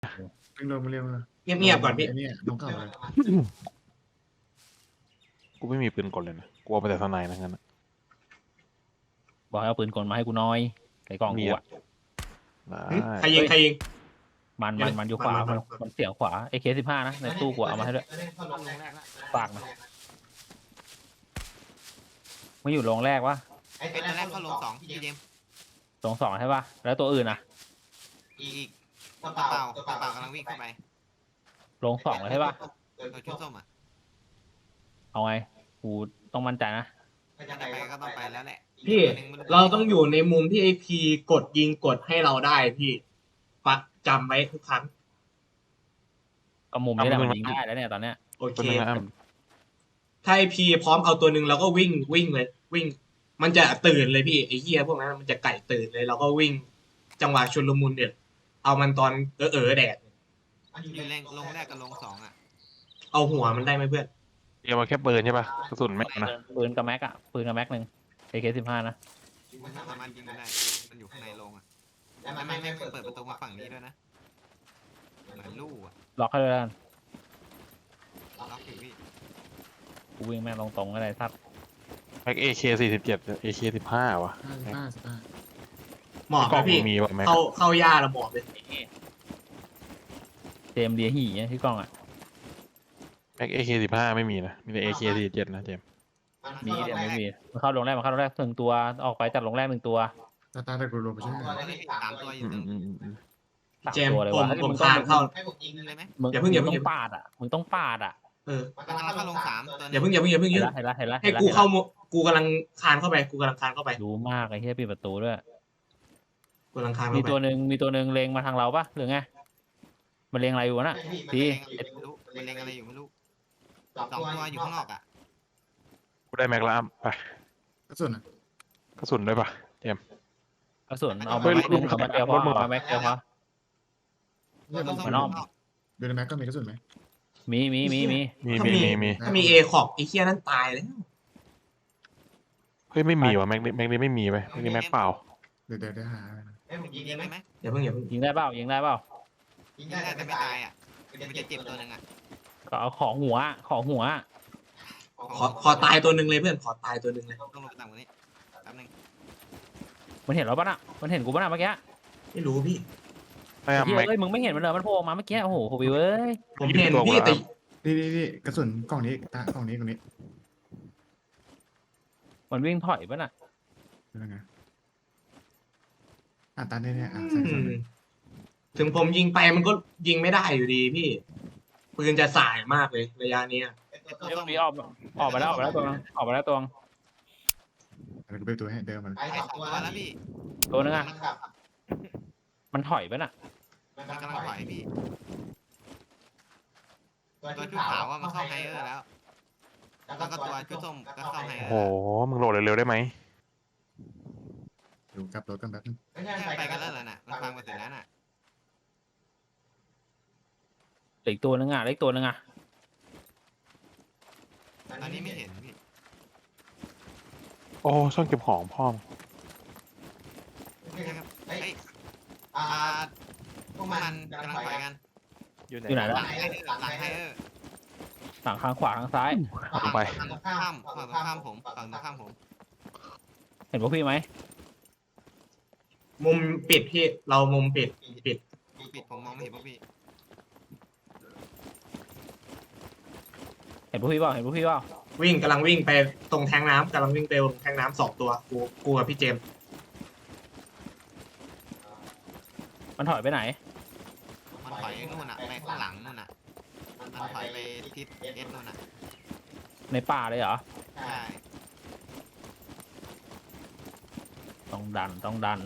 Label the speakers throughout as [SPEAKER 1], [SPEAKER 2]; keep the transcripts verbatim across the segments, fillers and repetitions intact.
[SPEAKER 1] เพิ่งลงมาเรียกว่า
[SPEAKER 2] เงียบๆก่อนพี่
[SPEAKER 1] ไอ้เนี่ยน้องเก่าเลย
[SPEAKER 3] กูไม่มีปืนกลเลยนะกูเอาไปแต่สไนนะงั้นนะ
[SPEAKER 4] บอกให้เอาปืนกลมาให้กูน้อยใส่กล่องกูอ่ะ
[SPEAKER 3] ได้
[SPEAKER 2] ใครยิงใครยิง
[SPEAKER 4] มันมันมันอยู่ขวา
[SPEAKER 2] มั
[SPEAKER 4] มัน
[SPEAKER 2] นมัน
[SPEAKER 4] มันเสียงขวาเอเคสิบห้านะในตู้กูเอามาให้ด้วยฝากนะไม่อยู่โรงแรกวะ
[SPEAKER 5] ไอ้ตัวแรกเข้าลงสองพี่เจมส์
[SPEAKER 4] โรงสองใช่ปะแล้วตัวอื่นอ่ะ
[SPEAKER 5] อีกตัวเปล่าตัวเปล่ากำลังวิ่งเข้าไป
[SPEAKER 4] โรงสองเลยใช่ปะ
[SPEAKER 5] ตัวชุดส้มอ่ะ
[SPEAKER 4] เอาไงกูต้องมั่นใจนะ
[SPEAKER 5] จะไปก็ต้องไปแล้วแหละ
[SPEAKER 2] พี่ เราต้องอยู่ในมุมที่ไอพีกดยิงกดให้เราได้พี่ปักจำไว้ทุกครั้ง
[SPEAKER 4] ก็มุมนี้แหละมันยิงได้แล้วเนี่ยตอนเนี้ย
[SPEAKER 2] โอเค
[SPEAKER 3] ตัวนึงนะอ้ำ
[SPEAKER 2] ถ้าไอพีพร้อมเอาตัวหนึ่งเราก็วิ่งวิ่งเลย วิ่ง มันจะตื่นเลยพี่ไอเฮียพวกนั้นมันจะไก่ตื่นเลยเราก็วิ่ง จังหวะชุลมุนเนี่ยเอามันตอนเออเออแดด
[SPEAKER 5] อยู่แรงลงแรกกับลงสองอ่ะ
[SPEAKER 2] เอาหัวมันได้ไหมเพื่อน
[SPEAKER 3] เตรียมมาแค่ปืนใช่ปะกระสุนไม่เอานะ
[SPEAKER 4] ปืนกับแม็กอะปืนกับแม็กหนึ่งเอเคสิบห้านะ
[SPEAKER 5] มันสามารถยิงได้มันอยู่ข้างในลงอ่ะแล้วมันไม่เปิดประตูมาฝั่งนี้ด้วยนะเหมือนลู่อ่ะ
[SPEAKER 4] ล็อกให้ด้วยกัน
[SPEAKER 5] ล็อกอยู่พี่
[SPEAKER 4] กูวิ่งแม่งตรงๆก็ได้ทัด
[SPEAKER 3] แม็กเอเคสี่สิบเจ็ดเอเคสิบห้าวะ
[SPEAKER 1] ห้าสิบห้าสิบห้า
[SPEAKER 2] หมอบ
[SPEAKER 3] กล่อ
[SPEAKER 2] นะ
[SPEAKER 3] ง
[SPEAKER 2] พี่
[SPEAKER 3] มีวะแม็ก
[SPEAKER 2] เข้าเข้าย่าเราหมอบเลย
[SPEAKER 4] เจมส์เดียหีเนี่ยที่กล้องอะ
[SPEAKER 3] แม็กเอเคสิบห้าไม่มีนะมีแต่เอเคสี่สิบเจ็ดนะเจมส์
[SPEAKER 4] มีเดี๋ยวไม่มีมันเข้าโรงแรกมันเข้าโรงแรกหนึ่งตัวออกไปจากโรงแรกหนึ่งตัว
[SPEAKER 1] ตาตาตะกูลงไปใช่ไหม
[SPEAKER 5] สามตัวอ
[SPEAKER 3] อื
[SPEAKER 5] ยู่
[SPEAKER 3] มอืมอืมอืม
[SPEAKER 4] สาม
[SPEAKER 2] เจมส์
[SPEAKER 4] ตัวเลย
[SPEAKER 2] ผม
[SPEAKER 4] วะ
[SPEAKER 2] ผม
[SPEAKER 4] มึง
[SPEAKER 2] คานเข้า
[SPEAKER 5] ให้ผมยิงเลยไหม
[SPEAKER 4] มึง
[SPEAKER 2] อย่าเพิ่งอย่าเพิ่ง
[SPEAKER 4] มึงต้องปาดอะมึงต้องปาดอะ
[SPEAKER 2] เออ
[SPEAKER 5] มันกำลังเข้าลงสามตัว
[SPEAKER 2] อย่าเพิ่งอย่าเพิ่งอย่าเพิ่ง
[SPEAKER 4] เห็
[SPEAKER 2] ยื
[SPEAKER 4] น
[SPEAKER 2] ด
[SPEAKER 4] ละเห็นละเห็นละ
[SPEAKER 2] ให้
[SPEAKER 4] เห็นละ
[SPEAKER 2] กู
[SPEAKER 4] เห็น
[SPEAKER 2] เข้า
[SPEAKER 4] ละ
[SPEAKER 2] มุกูกำลังคานเข้าไปกูกำลังคานเข้าไป
[SPEAKER 4] รู้มากไอ้เหี้ยปิดประตูด้วย
[SPEAKER 2] กูกำลังคาน
[SPEAKER 4] มี
[SPEAKER 2] เข้าไป
[SPEAKER 4] ตัวหนึ่งมีตัวหนึ่งเลงมาทางเราปะหรือไงมันเลงอะไรอยู่วะน่ะ
[SPEAKER 5] พี่
[SPEAKER 4] พี่
[SPEAKER 5] ไม่รู้มันเล็งอะไรอยู่ไม่รู้สองตัวอยู่ข้างนอกอ่ะ
[SPEAKER 3] กูได้แม็กแล้วอ้ำไป
[SPEAKER 1] กระสุนอ่ะ
[SPEAKER 3] กระสุนด้วยปะเจมส์
[SPEAKER 4] กระสุนเอา
[SPEAKER 3] เฮ้
[SPEAKER 4] มาย แม็กหนึ่ง
[SPEAKER 3] รถ
[SPEAKER 4] เอามาเดียวพอ
[SPEAKER 3] รถมึง
[SPEAKER 4] เอามาแม็กเดียวพอ
[SPEAKER 1] เนี่ยมัน
[SPEAKER 4] มันอ้อม
[SPEAKER 1] ดูในแม็กก็มีกระสุนไหม
[SPEAKER 4] มีมีมีมี
[SPEAKER 3] มี
[SPEAKER 2] ถ้า
[SPEAKER 3] มี
[SPEAKER 2] มี
[SPEAKER 3] มีมี
[SPEAKER 2] ถ้ามีเอขอบไอ้เคียนั่นตายแล้ว
[SPEAKER 3] เฮ้ยไม่มีวะแม็กนี่แม็กนี่ไม่มีไปแม็กนี่แม็กเปล่า
[SPEAKER 1] เดี๋ยวเดี๋ยวเดี๋ยวหา
[SPEAKER 5] ยิงยิงได้ไหม
[SPEAKER 2] อย่าเพิ่งอย่าเพิ่ง
[SPEAKER 4] ยิงได้เปล่ายิงได้เปล่า
[SPEAKER 5] ยิงได้แต่ไม่ตายอ่ะมันจะเจ็บตัวหนึ่งอ่ะ
[SPEAKER 4] ก็เอาของหัวของหัว
[SPEAKER 2] ขอขอตายตัวหนึ่งเลยเพื่อนขอตายตัวหนึ่งเลย
[SPEAKER 5] ต้องลงไปต่ำกว่านี้แป๊บนึง
[SPEAKER 4] มันเห็นเราปะน่ะมันเห็นกูปะน่ะเมื่อกี้
[SPEAKER 2] ไม่รู้พี่
[SPEAKER 3] ไม่
[SPEAKER 4] เฮ้
[SPEAKER 3] อ้ำแม็ก
[SPEAKER 4] ยเอ้ยมึงไม่เห็นมันเลยมันโผล่ออกมาเมื่อกี้โอ้โหโคบิวเอ้ย
[SPEAKER 2] ผมเห็น
[SPEAKER 3] ตัว
[SPEAKER 2] พี่
[SPEAKER 3] กูแล้ว
[SPEAKER 2] แต่
[SPEAKER 1] นี่นี่นี่กระสุนกล่องนี้ตากล่องนี้กล่องนี้
[SPEAKER 4] มันวิ่งถอยปะน่ะ
[SPEAKER 1] เป็นยังไงอ่ะตาเนี่ยเนี่ยอ่ะใส่
[SPEAKER 2] อื
[SPEAKER 1] ใส่
[SPEAKER 2] มถึงผมยิงไปมันก็ยิงไม่ได้อยู่ดีพี่ปืนจะสายมากเลยระยะเนี้ย
[SPEAKER 4] เดี๋ยวมีออกออกมาแล้วออกมาแล้วตัวนึงออกมาแล้วตัวนึง
[SPEAKER 1] อะไรกูไปตัวให้เดิมมัน
[SPEAKER 5] ไอ้สองตัวแล้วพี่
[SPEAKER 4] ตัวนึงอ่ะมันถอยปะน่ะ
[SPEAKER 5] มันกำลังถอยพี่ตัวชุดขาวว่ามันเข้าไฮเออร์แล้วแล้วก็ตัวชุดส้มก็เข้าไฮเอ
[SPEAKER 3] โอ้
[SPEAKER 5] อ
[SPEAKER 3] โห
[SPEAKER 5] ร์
[SPEAKER 3] มึงโหลดเร็วๆได้ไหม
[SPEAKER 1] อยู่กลับรถกันแป๊บนึง
[SPEAKER 5] ไปกันแล้วน่ะมันฟังมาถึงแล้วน่ะ
[SPEAKER 4] เหลืออีกตัวนึงอ่ะเหลืออีกตัวนึงอ่ะ
[SPEAKER 5] ตอนนี้ไม่เห็นพี่
[SPEAKER 3] โอ้ช่องเก็บของพ่อม
[SPEAKER 5] นะครับเฮ้ยอ่าพวกมันกำลังถอยกัน
[SPEAKER 4] อยู่ไหน
[SPEAKER 5] ห
[SPEAKER 4] แล้ว
[SPEAKER 5] ลังไฮเออร์หลังไฮเออร์
[SPEAKER 4] หลังข้างขวาข้างซ้าย
[SPEAKER 3] ลงไป
[SPEAKER 5] ฝั่งตรงข้ามฝั่งตรงข้ามผมฝั่งตรงข้ามผม
[SPEAKER 4] เห็นพวกพี่ไหม
[SPEAKER 2] มุมปิดพี่เรามุมปิดปิด
[SPEAKER 5] ปิดผมมองไม่เห็นพวกพี่
[SPEAKER 4] เห็นพวกพี่เปล่าเห็นพวกพี่เปล่า
[SPEAKER 2] วิ่งกำลังวิ่งไปตรงแทงน้ำกำลังวิ่งไปตรงแทงน้ำสองตัวกูกูกับพี่เจมส์
[SPEAKER 4] มันถอยไปไหน
[SPEAKER 5] มันถอยนู่นน่ะไปข้างหลังนู่นน่ะมันถอยไปทิศเอสนู่นน่ะ
[SPEAKER 4] ในป่าเลยเหรอ
[SPEAKER 5] ใช่
[SPEAKER 4] ต้องดันต้องดัน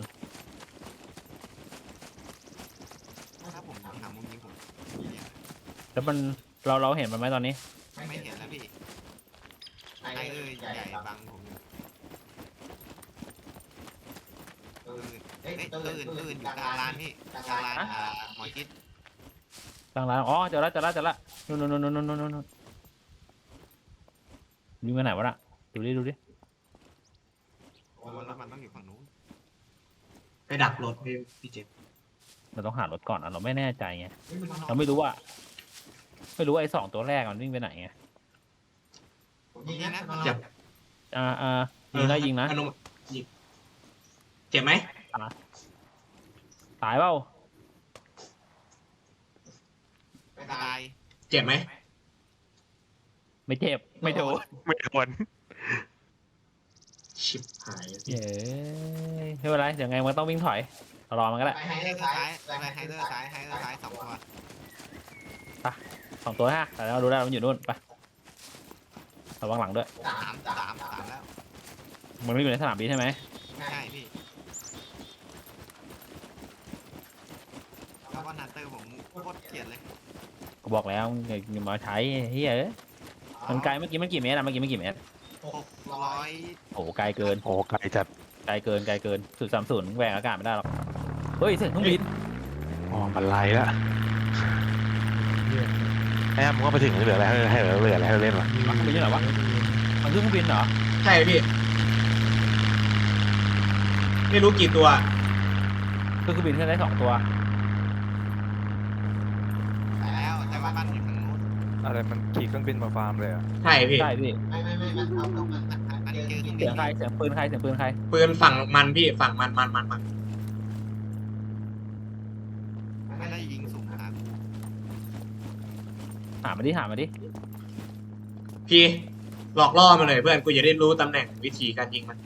[SPEAKER 5] ถ้าผมหามุมยิงผม
[SPEAKER 4] แล้วมันเราเราเห็นมันไหมตอนนี้
[SPEAKER 5] ไม่เห็นแล้วพี่ไฮเออร์ใหญ่บังผมอยู่เอ้ยตัวอื่นตัวอื่นอยู่กลางลานพี่กลางลานอ่าหมอชิด
[SPEAKER 4] ตั้งร้านอ๋อเจอแล้วเจอแล้วเจอแล้วนู่นนู่นนู่นนู่นนู่นนู่นวิ่งไปไหนวะน่ะดูดิดูดิ
[SPEAKER 5] ผมว่ามันต้องอยู่ฝั่งนู้น
[SPEAKER 2] ไปดักรถพี่พี่เจมส์
[SPEAKER 4] เราต้องหารถก่อนอ่ะเราไม่แน่ใจไงเราไม่รู้ว่า ไม่รู้ว่าไอ้สองตัวแรกมันวิ่งไปไหนไง
[SPEAKER 5] ยิงนะ
[SPEAKER 2] เจ็บ
[SPEAKER 4] อ่าอ่ายิงนะยิงนะ
[SPEAKER 2] อนุยิงเจ็บไหม
[SPEAKER 4] ตายเปล่า
[SPEAKER 5] ตาย
[SPEAKER 2] เจ็บไหม
[SPEAKER 4] ไม่เจ็บไม่โดน
[SPEAKER 3] ไม่โดน
[SPEAKER 2] ชิบหาย
[SPEAKER 4] เย้ไม่เป็นไรเดี๋ยวไงมันต้องวิ่งถอยรอมันก็ได้
[SPEAKER 5] ไปไฮเดอร์ซ้ายไปไฮเดอร์ซ้ายไฮเดอร์ซ้ายสองตัว
[SPEAKER 4] สองตัวฮะแต่เราดูได้มันอยู่นู่นไประวังหลังด้วย
[SPEAKER 5] สามสามสามแล้ว
[SPEAKER 4] มันไม่อยู่ในสนามบินใช่ไหม
[SPEAKER 5] ใช่พี่แล้วก็นันเตอร์ผมโคตรเกลียดเลย
[SPEAKER 4] ก็บอกแล้วอย่ามาใช้เฮ้ยเอ้ยมันไกลเมื่อกี้มันกี่เมตรอะเมื่อกี้มันกี่เมตร
[SPEAKER 5] หกร้อย
[SPEAKER 4] โอ้โหไกลเกิน
[SPEAKER 3] โอ้ไกลจัด
[SPEAKER 4] ไกลเกินไกลเกินสุดสามศูนย์แหวกอากาศไม่ได้หรอกเฮ้ยเสียงเครื่องบิน
[SPEAKER 3] อ๋อมันไล่ละไอ้มึงก็ไปถึงเหลืออะไรให้ให้เหลือเหลืออะไรให้เราเล่นวะ
[SPEAKER 4] มันเครื่องบินเหรอวะมันเครื่องบินเหรอ
[SPEAKER 2] ใช่พี่ ไม่รู้กี่ตัว
[SPEAKER 4] เครื่องบินขึ้นได้สองตัว
[SPEAKER 5] แล้วแต่ว่าบ้านอยู่ทางนู้น
[SPEAKER 6] อะไรมันขี่เครื่องบินมาฟาร์มเลยอ่ะ
[SPEAKER 2] ใช่พี่
[SPEAKER 4] ใช่พี่
[SPEAKER 5] มันเจอเครื่องบิ
[SPEAKER 4] เสีย
[SPEAKER 5] น
[SPEAKER 4] งใครเสียงปืนใครเสียงปืนใคร
[SPEAKER 2] ปืนฝั่งมันพี่ฝั่งมันมันมันมัน
[SPEAKER 5] ไม่ได้ยิงสุ่มหากู
[SPEAKER 4] หามาดิหามาดิ
[SPEAKER 2] พี่หลอกล่อมาเลยเพื่อนกูจะได้รู้ตำแหน่งวิธีการยิงมัน